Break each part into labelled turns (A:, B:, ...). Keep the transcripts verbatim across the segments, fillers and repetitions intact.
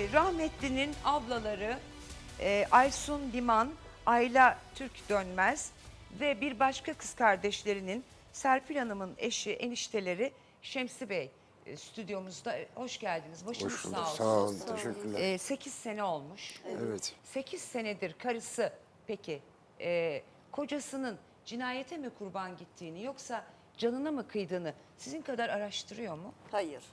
A: rahmetlinin ablaları e, Aysun Liman, Ayla Türk Dönmez ve bir başka kız kardeşlerinin Serpil Hanım'ın eşi, enişteleri Şemsi Bey e, stüdyomuzda. Hoş geldiniz. Başınız
B: Hoş bulduk.
A: sağ olsun.
B: Sağ olun. Teşekkürler.
A: E, sekiz sene olmuş.
B: Evet.
A: sekiz senedir karısı peki e, kocasının cinayete mi kurban gittiğini yoksa canına mı kıydığını sizin kadar araştırıyor mu?
C: Hayır.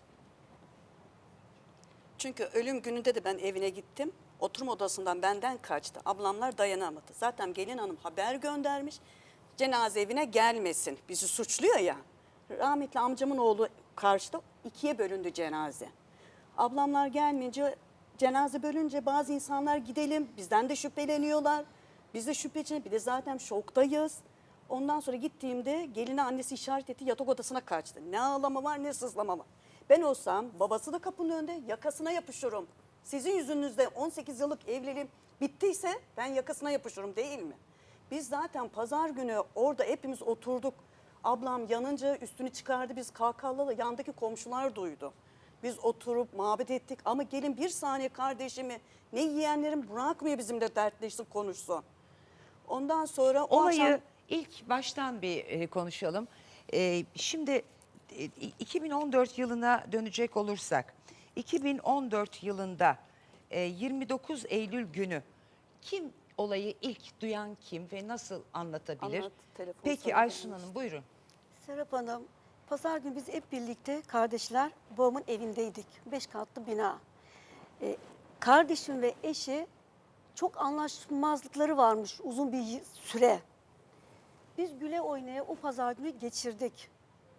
C: Çünkü ölüm gününde de ben evine gittim. Oturma odasından benden kaçtı. Ablamlar dayanamadı. Zaten gelin hanım haber göndermiş. Cenaze evine gelmesin. Bizi suçluyor ya. Rahmetli amcamın oğlu karşıda ikiye bölündü cenaze. Ablamlar gelmeyince cenaze bölünce bazı insanlar gidelim. Bizden de şüpheleniyorlar. Biz de şüpheci. Bir de zaten şoktayız. Ondan sonra gittiğimde geline annesi işaret etti, yatak odasına kaçtı. Ne ağlama var ne sızlama var. Ben olsam babası da kapının önünde yakasına yapışırım. Sizin yüzünüzde on sekiz yıllık evliliğim bittiyse ben yakasına yapışırım değil mi? Biz zaten pazar günü orada hepimiz oturduk. Ablam yanınca üstünü çıkardı, biz kahkahalarla yandaki komşular duydu. Biz oturup muhabbet ettik ama gelin bir saniye kardeşimi ne yeğenlerim bırakmıyor bizimle dertleşsin konuşsun. Ondan sonra o
A: Olayı
C: akşam...
A: ilk baştan bir e, konuşalım. E, şimdi e, iki bin on dört yılına dönecek olursak, iki bin on dört yılında e, yirmi dokuz Eylül günü kim olayı ilk duyan kim ve nasıl anlatabilir?
C: Anlat, telefon
A: Peki
C: sana
A: Aysun
C: gelmiş.
A: Hanım buyurun.
D: Serap Hanım, pazar günü biz hep birlikte kardeşler babamın evindeydik. Beş katlı bina. Ee, kardeşim ve eşi çok anlaşmazlıkları varmış uzun bir süre. Biz güle oynaya o pazar günü geçirdik.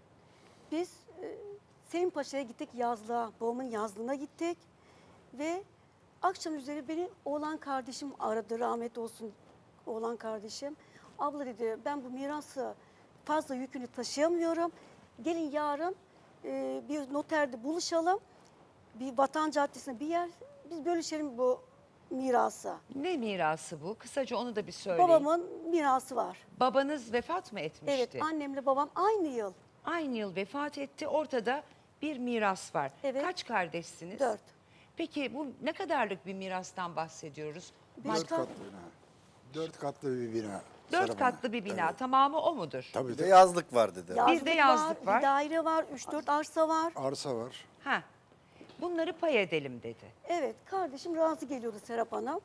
D: Biz e, Selim Paşa'ya gittik yazlığa, babamın yazlığına gittik. Ve akşam üzeri beni oğlan kardeşim aradı, rahmet olsun oğlan kardeşim. Abla dedi ben bu mirası fazla yükünü taşıyamıyorum. Gelin yarın e, bir noterde buluşalım. Bir Vatan Caddesi'ne bir yer biz bölüşelim bu mirası.
A: Ne mirası bu? Kısaca onu da bir söyleyin.
D: Babamın mirası var.
A: Babanız vefat mı etmişti?
D: Evet, annemle babam aynı yıl.
A: Aynı yıl vefat etti. Ortada bir miras var.
D: Evet.
A: Kaç kardeşsiniz?
D: Dört.
A: Peki bu ne kadarlık bir mirastan bahsediyoruz?
D: Beş
B: Dört
D: kat-
B: katlı bina. Dört katlı bir bina.
A: Dört
B: Serap
A: katlı
B: Hanım.
A: bir bina.
B: Evet.
A: Tamamı o mudur?
B: Tabii
E: Bir de
B: de
E: yazlık var dedi.
D: Yazlık
A: de yazlık var.
D: Bir daire var, üç dört arsa var.
B: arsa var.
A: Ha. Bunları pay edelim dedi.
D: Evet, kardeşim razı geliyordu Serap Hanım.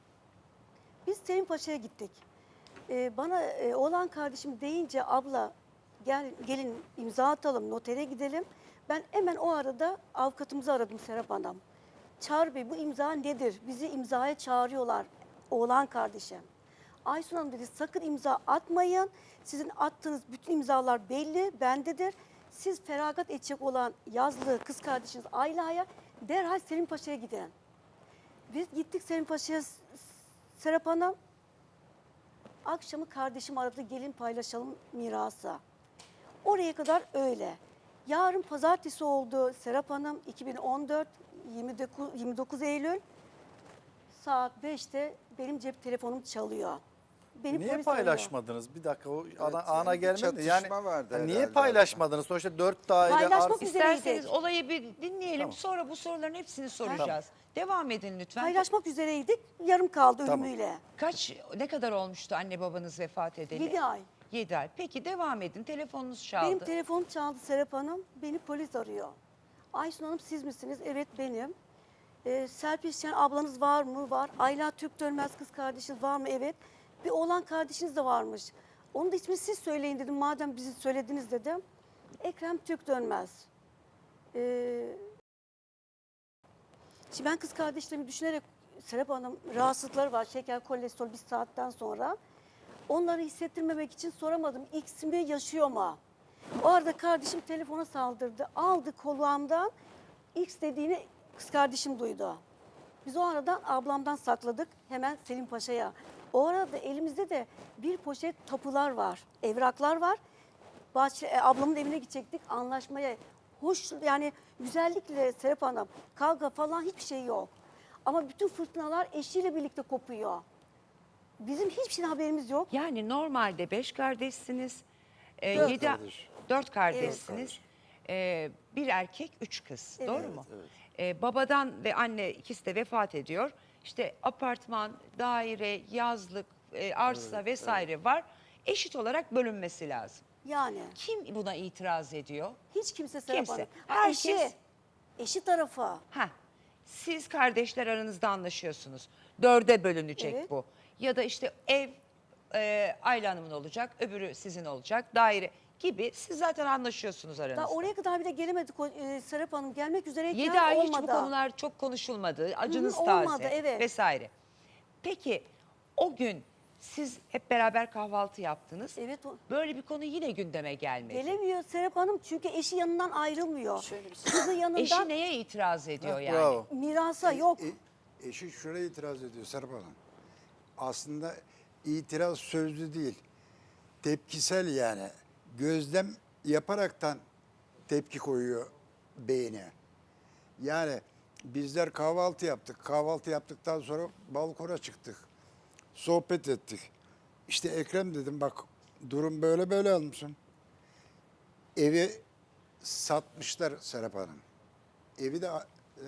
D: Biz Selim Paşa'ya gittik. Ee, bana e, oğlan kardeşim deyince abla gel gelin imza atalım, notere gidelim. Ben hemen o arada avukatımızı aradım Serap Hanım. Çağrı Bey bu imza nedir? Bizi imzaya çağırıyorlar oğlan kardeşim. Aysun Hanım dedi sakın imza atmayın. Sizin attığınız bütün imzalar belli, bendedir. Siz feragat edecek olan yazlı kız kardeşiniz Ayla'ya derhal Selim Paşa'ya gidin. Biz gittik Selim Paşa'ya Serap Hanım. Akşamı kardeşim aradı gelin paylaşalım mirası. Oraya kadar öyle. Yarın pazartesi oldu Serap Hanım iki bin on dört yirmi dokuz Eylül saat beşte benim cep telefonum çalıyor. Beni
E: Niye
D: polis arıyor.
E: paylaşmadınız? Bir dakika o ana,
F: yani
E: ana
F: bir
E: gelmedi.
F: çatışma
E: Yani
F: vardı
E: ha, niye
F: herhalde
E: paylaşmadınız? Sonuçta dört daire
D: Paylaşmak
E: arsa.
D: üzere-
A: İsterseniz olayı bir dinleyelim.
E: Tamam.
A: Sonra bu soruların hepsini soracağız. Devam edin lütfen.
D: Paylaşmak üzereydik yarım kaldı
E: Tamam.
D: ölümüyle.
A: Kaç, ne kadar olmuştu anne babanız vefat edeli?
D: Yedi ay.
A: Yedi ay. Peki devam edin. Telefonunuz çaldı.
D: Benim telefonum çaldı Serap Hanım. Beni polis arıyor. Aysun Hanım siz misiniz? Evet benim. Ee, Serpil Şen ablanız var mı? Var. Ayla Türk Dönmez kız kardeşiniz var mı? Evet. Bir oğlan kardeşiniz de varmış. Onun da ismini siz söyleyin dedim. Madem bizi söylediniz dedim. Ekrem Türk Dönmez. Ee, şimdi ben kız kardeşlerimi düşünerek Serap Hanım rahatsızlıkları var. Şeker, kolesterol bir saatten sonra. Onları hissettirmemek için soramadım. X mi yaşıyor mu? O arada kardeşim telefona saldırdı. Aldı kulağımdan. X dediğini kız kardeşim duydu. Biz o aradan ablamdan sakladık. Hemen Selim Paşa'ya. O arada elimizde de bir poşet tapular var. Evraklar var. Bahçe, e, ablamın evine gidecektik anlaşmaya. Hoş yani güzellikle Serap Hanım. Kavga falan hiçbir şey yok. Ama bütün fırtınalar eşiyle birlikte kopuyor. Bizim hiçbir şeyden haberimiz yok.
A: Yani normalde beş kardeşsiniz. Ee,
D: Dört
A: yedi,
B: kardeş.
A: Dört kardeşsiniz.
B: kardeş.
A: Ee, bir erkek, üç kız.
D: Evet.
A: Doğru mu?
B: Evet.
A: Ee, babadan ve anne ikisi de vefat ediyor. İşte apartman, daire, yazlık, e, arsa vesaire var. Eşit olarak bölünmesi lazım.
D: Yani
A: Kim buna itiraz ediyor?
D: hiç kimse Serap
A: Kimse.
D: Hanım.
A: Herkes-
D: Eşi, eşi tarafa.
A: Ha, siz kardeşler aranızda anlaşıyorsunuz. Dörde bölünecek
D: Evet.
A: bu. Ya da işte ev e, Ayla Hanım'ın olacak, öbürü sizin olacak, daire gibi siz zaten anlaşıyorsunuz aranızda.
D: Daha oraya kadar bile gelemedik o, e, Serap Hanım. Gelmek üzereyken
A: Yedi ay hiç bu
D: olmadı.
A: konular çok konuşulmadı. Acınız
D: Hı hı,
A: taze
D: olmadı, evet.
A: vesaire. Peki o gün siz hep beraber kahvaltı yaptınız.
D: Evet, o-
A: Böyle bir konu yine gündeme gelmedi.
D: Gelemiyor Serap Hanım çünkü eşi yanından ayrılmıyor.
C: Şöyle bir şey.
D: Kızı yanından
A: Eşi neye itiraz ediyor yani?
E: Bravo.
D: mirasa yok.
B: E, eşi şuraya itiraz ediyor Serap Hanım. Aslında itiraz sözlü değil. Tepkisel yani. Gözlem yaparaktan tepki koyuyor beyine. Yani bizler kahvaltı yaptık. Kahvaltı yaptıktan sonra balkona çıktık. Sohbet ettik. İşte Ekrem dedim bak durum böyle böyle almışsın. Evi satmışlar Serap Hanım. Evi de e,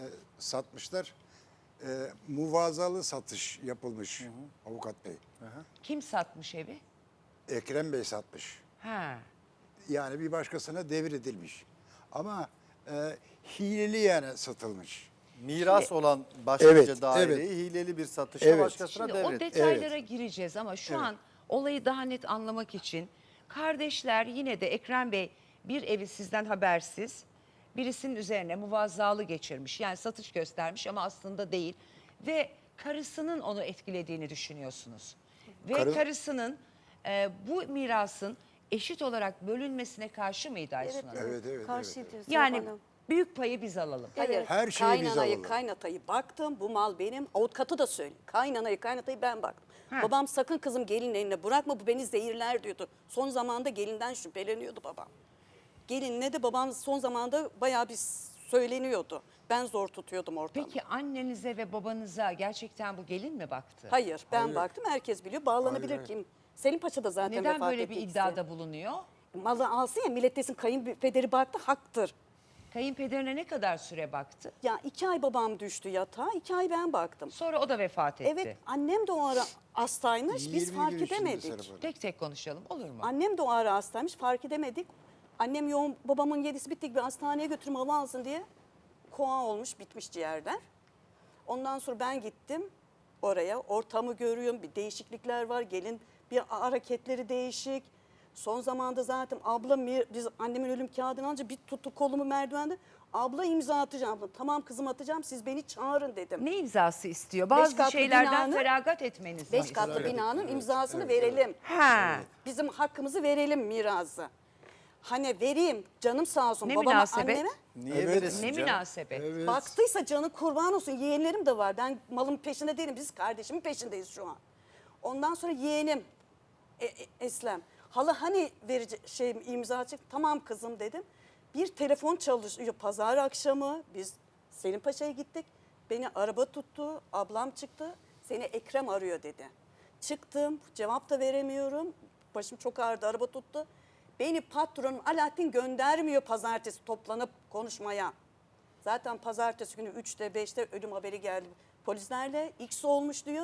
B: satmışlar. E, muvazalı satış yapılmış avukat bey.
A: Kim satmış evi?
B: Ekrem Bey satmış.
A: Ha.
B: Yani bir başkasına devredilmiş. Ama e, hileli yani satılmış.
E: Miras olan başlıca
B: Evet,
E: daireyi
B: evet.
E: hileli bir satışa
B: Evet.
E: başkasına
A: Şimdi o
E: devretti.
A: detaylara gireceğiz ama şu
B: Evet.
A: an olayı daha net anlamak için kardeşler yine de Ekrem Bey bir evi sizden habersiz birisinin üzerine muvazzalı geçirmiş. Yani satış göstermiş ama aslında değil ve karısının onu etkilediğini düşünüyorsunuz. Ve
B: Karı-
A: karısının e, bu mirasın eşit olarak bölünmesine karşı mıydı Aysun Hanım?
B: Evet, evet,
D: Karşıydı
B: evet,
D: Serap
A: Yani
D: Hanım.
A: büyük payı biz alalım.
C: Hayır,
B: Her şeyi biz
C: kaynanayı,
B: alalım.
C: kaynatayı baktım, bu mal benim. Avukatı da söyle. Kaynanayı, kaynatayı ben baktım.
A: Ha.
C: Babam sakın kızım gelin eline bırakma, bu beni zehirler diyordu. Son zamanda gelinden şüpheleniyordu babam. Gelinle de babam son zamanda bayağı bir söyleniyordu. Ben zor tutuyordum ortamı.
A: Peki annenize ve babanıza gerçekten bu gelin mi baktı?
C: Hayır, ben
B: Hayır.
C: baktım, herkes biliyor. Bağlanabilir
B: Hayır,
C: kim? Selim Paşa da zaten
A: Neden
C: vefat
A: böyle bir
C: ettiyse.
A: iddiada bulunuyor?
C: Malı alsın ya, millet desin kayınpederi baktı, haktır.
A: Kayınpederine ne kadar süre baktı?
C: Ya iki ay babam düştü yatağa, iki ay ben baktım.
A: Sonra o da vefat etti.
C: Evet, annem de o ara hastaymış, biz
B: yirmi
C: fark
B: gün içinde
C: edemedik.
B: Serap Hanım.
A: Tek tek konuşalım olur mu?
C: Annem de o ara hastaymış, fark edemedik. Annem yoğun, babamın yedisi bittik bir hastaneye götürüm hava alsın diye. Koa olmuş, bitmiş ciğerler. Ondan sonra ben gittim oraya, ortamı görüyorum, bir değişiklikler var. Gelin bir hareketleri değişik. Son zamanda zaten abla, biz annemin ölüm kağıdını alınca bir tuttu kolumu merdivende. Abla imza atacağım. Abla, tamam kızım atacağım, siz beni çağırın dedim.
A: Ne imzası istiyor? Bazı
C: katlı
A: şeylerden
C: binanın-
A: feragat etmeniz
C: Beş
A: mi
C: katlı
A: istiyor?
C: binanın imzasını verelim.
A: Ha.
C: Bizim hakkımızı verelim mirası. Hani vereyim canım sağ olsun
A: Ne
C: babama
A: münasebet?
C: anneme.
E: Niye
B: Evet.
E: veresin
A: Ne
E: canım?
A: münasebet?
B: Evet.
C: Baktıysa canı kurban olsun, yeğenlerim de var. Ben malın peşinde değilim, biz kardeşimin peşindeyiz şu an. Ondan sonra yeğenim e, e, Eslem. Hala hani verici şey imza atacak, tamam kızım dedim. Bir telefon çalışıyor pazar akşamı, biz Selim Paşa'ya gittik. Beni araba tuttu, ablam çıktı, seni Ekrem arıyor dedi. Çıktım, cevap da veremiyorum. Başım çok ağrıdı, araba tuttu. Beni patronum Alaaddin göndermiyor pazartesi toplanıp konuşmaya. Zaten pazartesi günü üçte beşte ölüm haberi geldi polislerle. X olmuş diyor.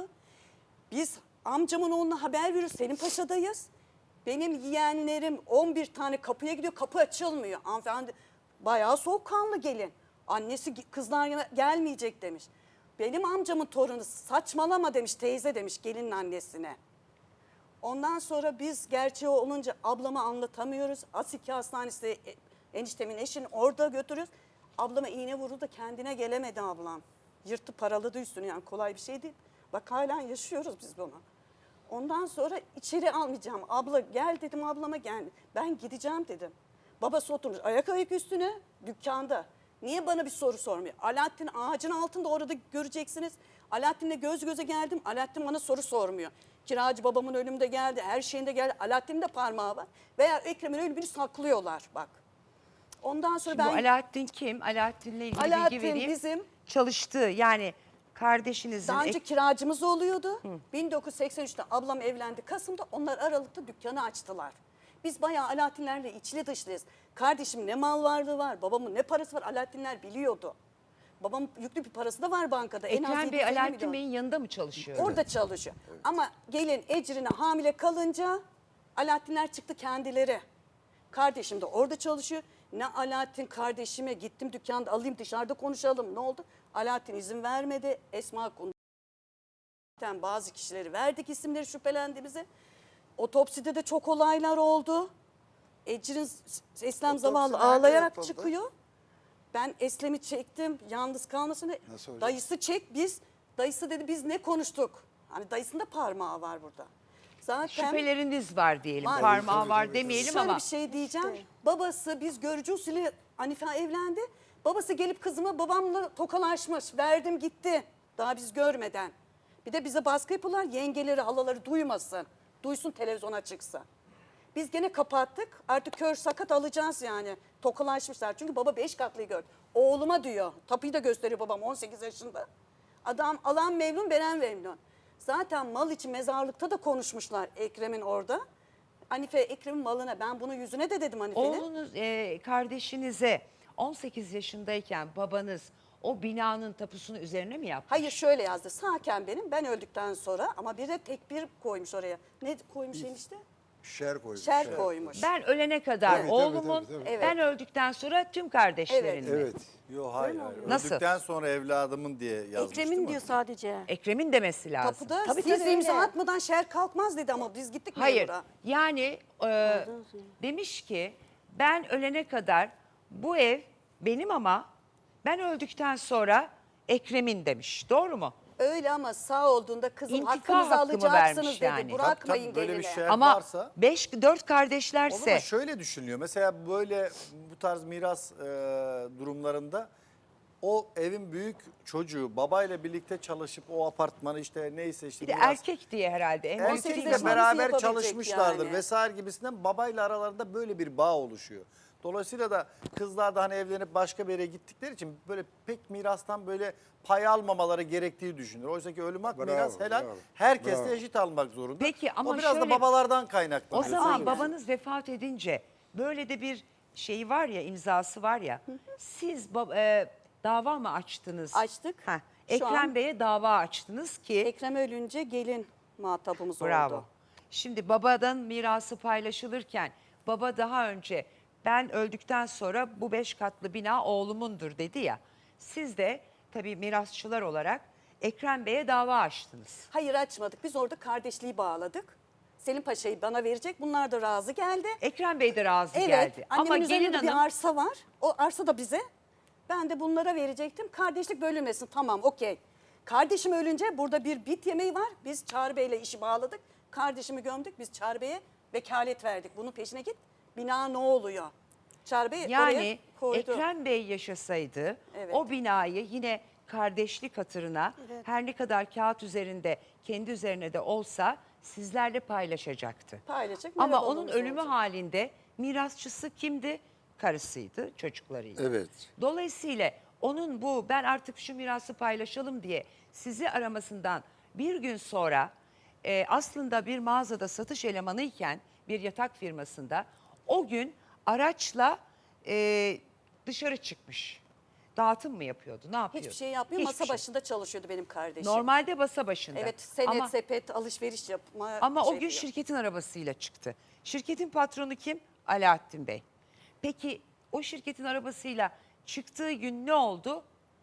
C: Biz amcamın oğluna haber veriyoruz. Selim Paşa'dayız. Benim yeğenlerim on bir tane kapıya gidiyor. Kapı açılmıyor. Hanımefendi bayağı soğukkanlı gelin. Annesi kızlar gel- gelmeyecek demiş. Benim amcamın torunu saçmalama demiş teyze demiş gelinin annesine. Ondan sonra biz gerçeği olunca ablama anlatamıyoruz. Asiki Hastanesi e, eniştemin eşini orada götürüyoruz. Ablama iğne vurdu, kendine gelemedi ablam. Yırtı paraladı üstünü, yani kolay bir şey değil. Bak halen yaşıyoruz biz bunu. Ondan sonra içeri almayacağım. Abla gel dedim, ablama gel. Ben gideceğim dedim. Babası oturmuş ayak ayak üstüne dükkanda. Niye bana bir soru sormuyor? Alaaddin ağacın altında orada göreceksiniz. Alaaddin'le göz göze geldim. Alaaddin bana soru sormuyor. Kiracı babamın ölümünde geldi, her şeyinde geldi. Alaaddin'in de parmağı var. Veya Ekrem'in ölümünü saklıyorlar bak. Ondan sonra
A: Şimdi bu
C: ben...
A: Alaaddin kim? Alaaddin'le ilgili
C: Alaaddin
A: bilgi vereyim.
C: bizim-
A: Çalıştığı yani kardeşinizin...
C: Daha önce
A: ek-
C: kiracımız oluyordu. bin dokuz yüz seksen üçte ablam evlendi Kasım'da. Onlar Aralık'ta dükkanı açtılar. Biz bayağı Alaaddinlerle içli dışlıyız. Kardeşim ne mal varlığı var, babamın ne parası var Alaaddinler biliyordu. Babam yüklü bir parası da var bankada. En az
A: Ekrem
C: yedi
A: Bey
C: yüz elli
A: Alaaddin
C: milyon.
A: Bey'in yanında mı çalışıyor?
C: Orada çalışıyor. Ama gelin Ecrin'e hamile kalınca Alaaddinler çıktı kendileri. Kardeşim de orada çalışıyor. Ne Alaaddin kardeşime gittim dükkanda alayım dışarıda konuşalım. Ne oldu? Alaaddin izin vermedi. Esma Kundu. Zaten bazı kişileri verdik isimleri şüphelendiğimize. Otopside de çok olaylar oldu. Ecrin Eslem
B: Otopsi
C: zavallı
B: nerede
C: ağlayarak
B: yapıldı?
C: çıkıyor. Ben Eslem'i çektim yalnız kalmasın.
B: Nasıl hocam?
C: Dayısı çek biz. Dayısı dedi biz ne konuştuk? Hani dayısında parmağı var burada. Zaten
A: Şüpheleriniz var diyelim.
C: Var.
A: Parmağı
B: Tabii,
A: var
B: tabii,
A: demeyelim
C: şöyle
A: ama.
C: bir şey diyeceğim.
D: İşte.
C: Babası biz görücü usulü Hanife evlendi. Babası gelip kızıma babamla tokalaşmış. Verdim gitti. Daha biz görmeden. Bir de bize baskı yapıyorlar. Yengeleri, halaları duymasın. Duysun televizyona çıksa. Biz gene kapattık. Artık kör sakat alacağız yani. Tokalaşmışlar. Çünkü baba beş katlıyı gördü. Oğluma diyor. Tapuyu da gösteriyor babam on sekiz yaşında. Adam alan memnun, veren memnun. Zaten mal için mezarlıkta da konuşmuşlar Ekrem'in orada. Hanife Ekrem'in malına ben bunu yüzüne de dedim Hanife'nin.
A: Oğlunuz e, kardeşinize on sekiz yaşındayken babanız o binanın tapusunu üzerine mi yapmış?
C: Hayır şöyle yazdı. Sağken benim ben öldükten sonra ama bir de tek bir koymuş oraya. Ne koymuş enişte?
B: Şer koymuş.
C: Şer koymuş.
A: Ben ölene kadar
B: Tabii, tabii,
A: oğlumun,
B: tabii, tabii.
C: Evet.
A: ben öldükten sonra tüm kardeşlerimin.
B: Evet.
E: Yok hayır. hayır.
A: Nasıl?
E: Öldükten sonra evladımın diye yazmıştım.
D: Ekrem'in diyor sadece.
A: Ekrem'in demesi lazım.
C: Tapuda
D: Tabii,
C: siz
D: tabii,
C: imza
D: öyle.
C: atmadan şer kalkmaz dedi ama biz gittik
A: Hayır.
C: memura.
A: Yani e, demiş ki ben ölene kadar bu ev benim ama ben öldükten sonra Ekrem'in demiş. Doğru mu?
C: Öyle ama sağ olduğunda kızım
A: İntikam
C: hakkınızı
A: hakkımı
C: alacaksınız
A: vermiş
C: dedi.
A: yani.
C: Bırakmayın
E: Tabii, tabii, böyle bir
C: geline.
E: şey-
A: Ama
E: varsa-
A: beş dört
E: O
A: kardeşlerse
E: zaman şöyle düşünülüyor. Mesela böyle bu tarz miras e, durumlarında o evin büyük çocuğu babayla birlikte çalışıp o apartmanı işte neyse işte
A: bir de
E: miras-
A: erkek diye herhalde. En büyük
C: Erkekle
A: değil
E: Erkekle
A: ama.
C: beraber
E: beraber
C: yapabilecek
E: çalışmışlardır
C: yani.
E: vesaire gibisinden babayla aralarında böyle bir bağ oluşuyor. Dolayısıyla da kızlar da hani evlenip başka bir yere gittikleri için böyle pek mirastan böyle pay almamaları gerektiği düşünür. Oysa ki ölüm hak
B: Bravo,
E: miras helal.
B: bravo,
E: Herkes
B: bravo.
E: de eşit almak zorunda.
A: Peki ama
E: o biraz
A: şöyle-
E: da babalardan
A: O
E: kaynaklanıyor.
A: zaman
E: Söyleyeyim.
A: babanız vefat edince böyle de bir şey var ya, imzası var ya. Siz bab- e, dava mı açtınız?
C: Açtık.
A: Heh,
C: Şu
A: Ekrem
C: an-
A: Bey'e dava açtınız ki.
C: Ekrem ölünce gelin muhatabımız
A: Bravo.
C: oldu.
A: Şimdi babadan mirası paylaşılırken baba daha önce ben öldükten sonra bu beş katlı bina oğlumundur dedi ya. Siz de tabii mirasçılar olarak Ekrem Bey'e dava açtınız.
C: Hayır açmadık. Biz orada kardeşliği bağladık. Selim Paşa'yı bana verecek. Bunlar da razı geldi.
A: Ekrem Bey de razı
C: Evet.
A: geldi.
C: Annemin
A: Ama
C: üzerinde
A: gelin
C: de bir
A: hanım
C: arsa var. O arsa da bize. Ben de bunlara verecektim. Kardeşlik bölünmesin. Tamam okey. Kardeşim ölünce burada bir bit yemeği var. Biz Çağrı Bey'le işi bağladık. Kardeşimi gömdük. Biz Çağrı Bey'e vekalet verdik. Bunun peşine git. Bina ne oluyor? Çağrı Bey oraya
A: yani
C: koydu.
A: Ekrem Bey yaşasaydı
C: Evet.
A: o binayı yine kardeşlik hatırına
D: Evet.
A: her ne kadar kağıt üzerinde kendi üzerine de olsa sizlerle paylaşacaktı.
C: Paylaşacak.
A: Ama
C: merhaba
A: onun
C: babamız
A: ölümü
C: olacak.
A: halinde mirasçısı kimdi? Karısıydı, çocuklarıydı.
B: Evet.
A: Dolayısıyla onun bu ben artık şu mirası paylaşalım diye sizi aramasından bir gün sonra e, aslında bir mağazada satış elemanıyken bir yatak firmasında o gün araçla e, dışarı çıkmış. Dağıtım mı yapıyordu? Ne yapıyordu?
C: Hiçbir şey yapmıyor.
A: Hiçbir
C: Masa
A: şey.
C: başında çalışıyordu benim kardeşim.
A: Normalde masa başında.
C: Evet senet
A: Ama,
C: sepet alışveriş yapma.
A: ama
C: şey
A: o gün
C: yapıyor.
A: şirketin arabasıyla çıktı. Şirketin patronu kim? Alaaddin Bey. Peki o şirketin arabasıyla çıktığı gün ne oldu?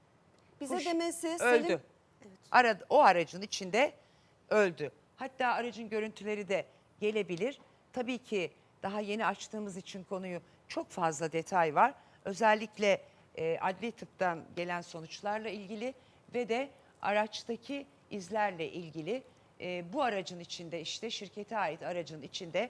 C: Bize
A: Kuş
C: demesi
A: öldü.
C: Selim
A: Ara, o aracın içinde öldü. Hatta aracın görüntüleri de gelebilir. Tabii ki daha yeni açtığımız için konuyu çok fazla detay var. Özellikle e, adli tıptan gelen sonuçlarla ilgili ve de araçtaki izlerle ilgili e, bu aracın içinde işte şirkete ait aracın içinde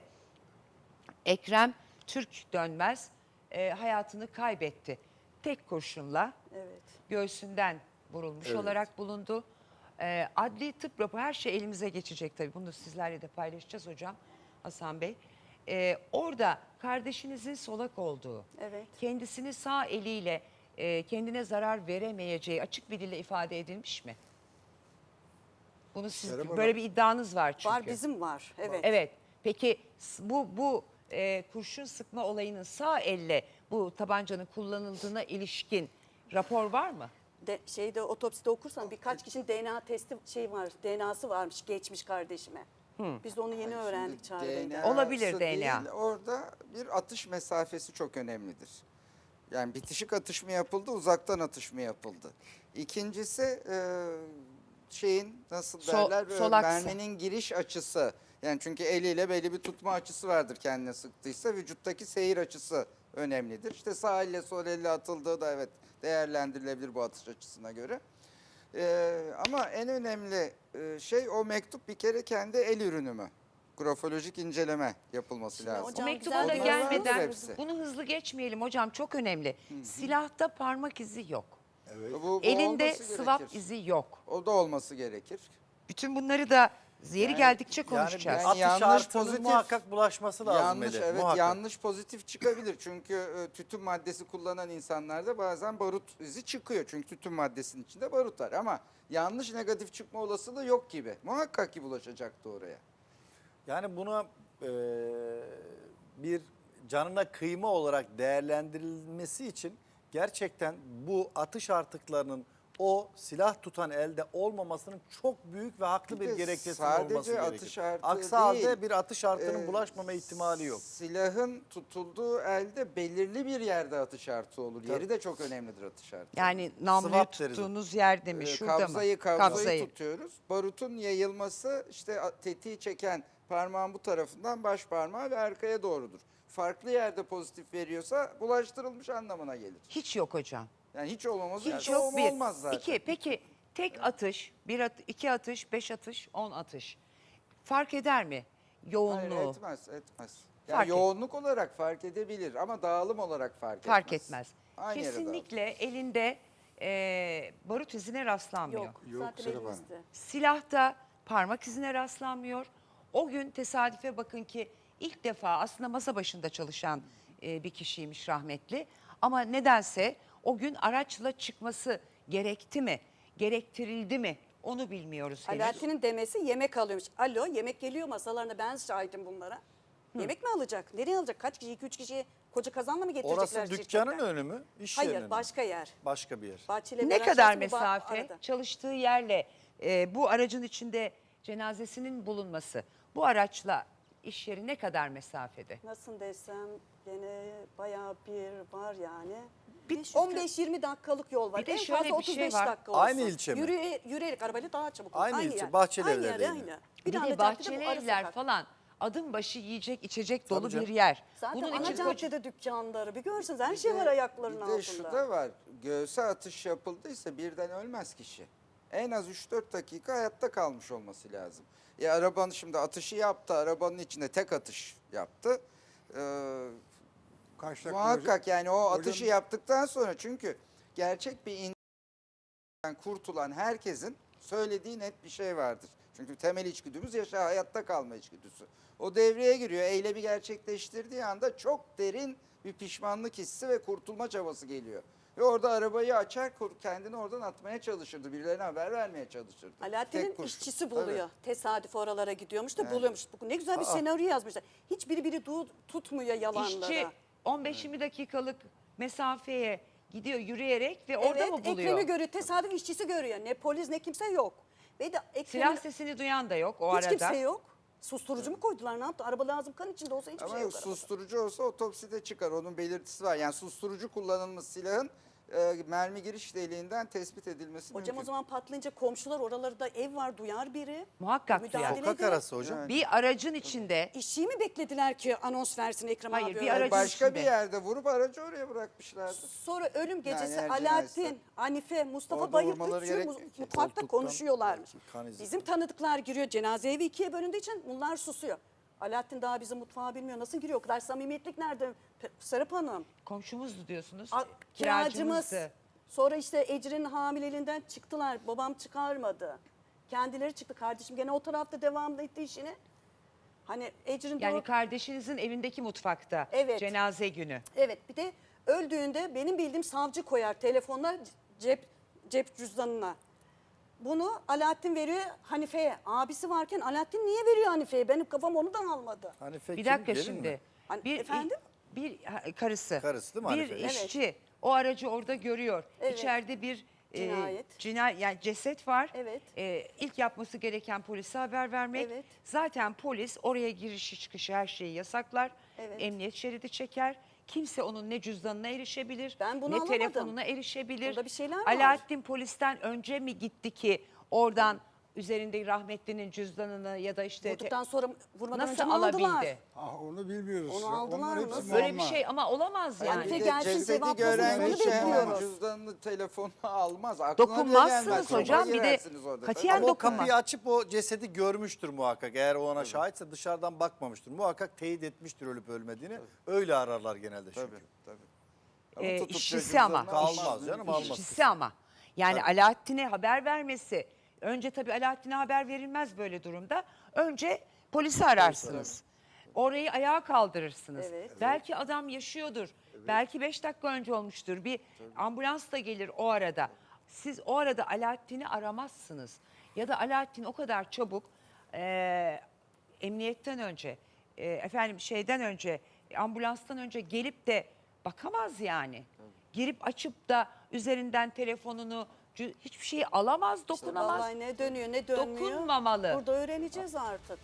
A: Ekrem Türk Dönmez e, hayatını kaybetti. Tek kurşunla
C: evet.
A: göğsünden vurulmuş
B: Evet.
A: olarak bulundu. Ee, adli tıp raporu her şey elimize geçecek tabii. Bunu sizlerle de paylaşacağız hocam Hasan Bey. Ee, orada kardeşinizin solak olduğu,
C: Evet.
A: kendisini sağ eliyle e, kendine zarar veremeyeceği açık bir dille ifade edilmiş mi? Bunu siz
B: Serap Hanım-
A: böyle bir iddianız var çünkü.
C: Var bizim var. Evet.
A: Evet. Peki s- bu bu e, kurşun sıkma olayının sağ elle bu tabancanın kullanıldığına ilişkin rapor var mı?
C: de, şeyde otopside okursan birkaç kişinin D N A testi şey var, D N A'sı varmış geçmiş kardeşime. Biz de onu yeni öğrendik Çağrı Bey'den.
F: D N A'sı
A: Olabilir D N A.
F: değil, orada bir atış mesafesi çok önemlidir. Yani bitişik atış mı yapıldı, uzaktan atış mı yapıldı? İkincisi e, şeyin nasıl
A: Sol-
F: derler, böyle
A: sol aksı.
F: merminin giriş açısı. Yani çünkü eliyle belli bir tutma açısı vardır kendine sıktıysa, vücuttaki seyir açısı önemlidir. İşte sağ elle sol elle atıldığı da evet değerlendirilebilir bu atış açısına göre. Ee, ama en önemli e, şey o mektup bir kere kendi el ürünü mü? Grafolojik inceleme yapılması
C: Şimdi
F: lazım.
C: hocam-
A: O mektup
C: güzel
A: da
C: bir-
A: gelmeden
F: Vardır hepsi.
A: bunu hızlı geçmeyelim hocam, çok önemli. Silahta parmak izi yok.
B: Evet.
F: Bu- bu
A: Elinde
F: olması
A: swap
F: gerekir.
A: izi yok.
F: O da olması gerekir.
A: Bütün bunları da yeri
F: Yani-
A: geldikçe
E: Yani
A: konuşacağız.
E: bir atış
F: yanlış
E: artığının
F: pozitif-
E: muhakkak bulaşması lazım.
F: yanlış
E: Melih,
F: evet
E: muhakkak.
F: yanlış pozitif çıkabilir. Çünkü e, tütün maddesi kullanan insanlarda bazen barut izi çıkıyor. Çünkü tütün maddesinin içinde barut var ama yanlış negatif çıkma olasılığı yok gibi. Muhakkak ki bulaşacaktı oraya.
E: Yani buna e, bir canına kıyma olarak değerlendirilmesi için gerçekten bu atış artıklarının o silah tutan elde olmamasının çok büyük ve haklı
F: Bir
E: bir,
F: de
E: gerekçesinin
F: sadece
E: olması gerekir.
F: atış artığı
E: Aksi
F: değil,
E: halde bir atış artığının
F: Ee,
E: bulaşmama ihtimali yok.
F: Silahın tutulduğu elde belirli bir yerde atış artığı olur. Yeri de çok önemlidir atış artığı.
A: Yani namluyu
E: Swap deriz.
A: tuttuğunuz yerde mi?
F: Ee,
A: Şurada
F: kabzayı,
A: mı?
F: kabzayı tutuyoruz. Barutun yayılması işte a- tetiği çeken parmağın bu tarafından baş parmağı ve arkaya doğrudur. Farklı yerde pozitif veriyorsa bulaştırılmış anlamına gelir.
A: Hiç yok hocam.
F: Yani hiç olmaması
A: Hiç
F: yani
A: yok bir.
F: olmaz zaten.
A: İki, peki tek atış, bir at, iki atış, beş atış, on atış. Fark eder mi yoğunluğu?
F: Hayır, etmez, etmez. Yani
A: Fark et-
F: yoğunluk olarak fark edebilir ama dağılım olarak fark etmez.
A: Fark etmez.
F: Aynı yere dağılır.
A: Kesinlikle elinde e, barut izine rastlanmıyor.
C: Yok,
B: Yok,
C: zaten
B: Serap Hanım.
C: elimizde.
A: Silahta parmak izine rastlanmıyor. O gün tesadüfe bakın ki ilk defa aslında masa başında çalışan e, bir kişiymiş rahmetli. Ama nedense o gün araçla çıkması gerekti mi, gerektirildi mi onu bilmiyoruz henüz.
C: Alaaddin'in demesi yemek alıyormuş. Alo, yemek geliyor masalarına, ben şahidim bunlara. Yemek mi alacak? Nereye alacak? Kaç kişi? iki üç kişi koca kazanla mı getirecekler
E: Orası dükkanın
C: şirketten?
E: önü mü? İş yerinin
C: Hayır,
E: mi?
C: başka yer.
E: Başka bir yer.
C: Bahçeli
A: Ne
C: Beren
A: kadar
C: Şahsı bu ba-
A: mesafe
C: arada.
A: çalıştığı yerle e, bu aracın içinde cenazesinin bulunması, bu araçla iş yeri ne kadar mesafede?
C: Nasıl desem gene bayağı bir var yani.
A: Bir de
C: on beş yirmi dakikalık yol var.
A: Bir de
C: en
A: şöyle
C: fazla
A: bir şey
C: otuz beş
A: var.
C: dakika olsun.
E: Aynı ilçe mi?
C: Yürüye, yürüyerek arabayla daha çabuk olur.
E: Aynı ilçe,
C: yer.
E: Bahçeli
C: Aynı
E: Evler
C: yer,
E: değil mi?
C: aynı.
A: Bir
C: tane
A: de
C: caddede
A: bahçeli
C: bu ara
A: evler
C: sokak.
A: falan adım başı yiyecek içecek dolu
E: canım.
A: bir yer.
C: Zaten
A: Bunun
C: ana
A: için koca-
C: caddede dükkanları bir görsünüz her
F: Bir
C: şey
F: de-
C: var ayaklarının
F: Bir de
C: altında.
F: şu da var. Göğse atış yapıldıysa birden ölmez kişi. En az üç dört dakika hayatta kalmış olması lazım. E arabanın şimdi atışı yaptı. Arabanın içinde tek atış yaptı. Ee,
B: Kaç dakika
F: muhakkak yani o
B: hocam-
F: atışı yaptıktan sonra çünkü gerçek bir insandan kurtulan herkesin söylediği net bir şey vardır. Çünkü temel içgüdümüz yaşa hayatta kalma içgüdüsü. O devreye giriyor. Eylemi gerçekleştirdiği anda çok derin bir pişmanlık hissi ve kurtulma çabası geliyor. Ve orada arabayı açar kur- kendini oradan atmaya çalışırdı. Birilerine haber vermeye çalışırdı.
C: Alaaddin'in
F: Tek kurşun.
C: işçisi buluyor.
F: Tabii.
C: Tesadüf oralara gidiyormuş da
F: Evet.
C: buluyormuş. Bu ne güzel bir senaryo yazmışlar. Hiçbiri biri du- tutmuyor yalanlara.
A: İşçi on beş yirmi dakikalık mesafeye gidiyor yürüyerek ve orada
C: evet,
A: mı buluyor?
C: Ekrem'i görüyor. Tesadüf işçisi görüyor. Ne polis ne kimse yok. Ve de
A: Silah
C: Ekrem'in
A: sesini duyan da yok o
C: hiç
A: arada.
C: kimse yok. Susturucu mu koydular ne yaptı? Araba lazım kan içinde olsa hiçbir
F: Ama
C: şey yok. arabada.
F: susturucu olsa otopside çıkar. Onun belirtisi var. Yani susturucu kullanılmış silahın e, mermi giriş deliğinden tespit edilmesi
C: Hocam
F: mümkün.
C: o zaman patlayınca komşular oralarda ev var duyar biri.
A: Muhakkak
C: Müdahale
A: duyar.
E: Sokak
C: eder.
E: arası hocam.
F: Yani.
A: Bir aracın içinde
C: İşçiyi mi beklediler ki anons versin Ekrem
A: Hayır,
C: abi?
A: bir
C: öyle?
A: aracın
F: Başka
A: içinde.
F: bir yerde vurup aracı oraya bırakmışlardı.
C: Sonra ölüm gecesi
F: eğer
C: Alaaddin,
F: cinayetse
C: Hanife, Mustafa
F: orada
C: Bayır
F: vurmaları
C: üçü
F: gerekmiyor
C: mu-
F: ki.
C: mutfakta
E: Koltuktan
C: konuşuyorlarmış.
E: kan izi.
C: Bizim tanıdıklar giriyor cenaze evi ikiye bölündüğü için bunlar susuyor. Alaaddin daha bizim mutfağı bilmiyor. Nasıl giriyor? O kadar samimiyetlik nerede? Pe- Serap Hanım.
A: komşumuzdu diyorsunuz.
C: A- kiracımız.
A: Kiracımızdı.
C: Sonra işte Ecrin'in hamileliğinden çıktılar. Babam çıkarmadı. Kendileri çıktı. Kardeşim gene o tarafta devam etti işini. Hani Ecrin
A: Yani
C: doğru-
A: kardeşinizin evindeki mutfakta
C: Evet.
A: cenaze günü.
C: Evet bir de öldüğünde benim bildiğim savcı koyar telefonla cep cep cüzdanına. Bunu Alaaddin veriyor Hanife'ye. Abisi varken Alaaddin niye veriyor Hanife'ye? Benim kafam onu da almadı.
E: Hanife
A: Bir
E: kim?
A: dakika
E: Gelin
A: şimdi.
E: mi?
C: Hani
A: Bir
C: efendim?
A: bir ha, karısı.
E: Karısı değil mi
A: Bir
E: Hanife?
A: işçi o aracı orada görüyor.
C: Evet.
A: İçeride bir
C: Cinayet.
A: cinayet yani ceset var.
C: Evet.
A: E, ilk yapması gereken polise haber vermek.
C: Evet.
A: Zaten polis oraya girişi çıkışı her şeyi yasaklar.
C: Evet.
A: Emniyet şeridi çeker. Kimse onun ne cüzdanına erişebilir,
C: Ben bunu
A: ne
C: alamadım.
A: telefonuna erişebilir.
C: Burada bir şeyler var.
A: Alaaddin polisten önce mi gitti ki oradan üzerinde rahmetlinin cüzdanını ya da işte
C: Vurduktan sonra vurmadan
A: nasıl
C: önce mi aldılar?
A: alabildi?
B: Ah, onu bilmiyoruz.
C: Onu
B: Ya.
C: aldılar
B: Onlar
C: mı?
B: hepsi
C: Nasıl?
A: Böyle bir
B: muamma.
A: şey ama olamaz yani.
C: Halife
F: Bir de
C: gelsin,
F: cesedi
C: cevaplasın,
F: gören
C: onu
F: kişi hemen
C: bekliyoruz.
F: cüzdanını, telefonunu almaz. Aklına bile
A: Dokunmazsınız
F: gelmez. Şoka
A: hocam, bir de
F: girersiniz orada.
A: katiyen
E: Ama o
A: dokunmaz.
E: kapıyı açıp o cesedi görmüştür muhakkak. Eğer o ona şahitse dışarıdan bakmamıştır. Muhakkak teyit etmiştir ölüp ölmediğini. Öyle ararlar genelde çünkü.
F: Tabii, tabii. Ama
A: Ee,
F: tutup da
A: işçisi ama.
F: cüzdanını almaz,
E: Almaz canım,
F: mümkün değil.
E: almaz.
A: İşçisi ama. Yani Alaaddin'e haber vermesi. Önce tabii Alaaddin'e haber verilmez böyle durumda. Önce polisi ararsınız. Orayı ayağa kaldırırsınız.
C: Evet.
A: Belki adam yaşıyordur. Belki beş dakika önce olmuştur. Bir ambulans da gelir o arada. Siz o arada Alaaddin'i aramazsınız. Ya da Alaaddin o kadar çabuk eee, emniyetten önce, eee, efendim şeyden önce, ambulanstan önce gelip de bakamaz yani. Girip açıp da üzerinden telefonunu, cü- hiçbir şeyi alamaz, dokunamaz.
C: Vallahi ne dönüyor ne dönmüyor.
A: Dokunmamalı.
C: Burada öğreneceğiz artık.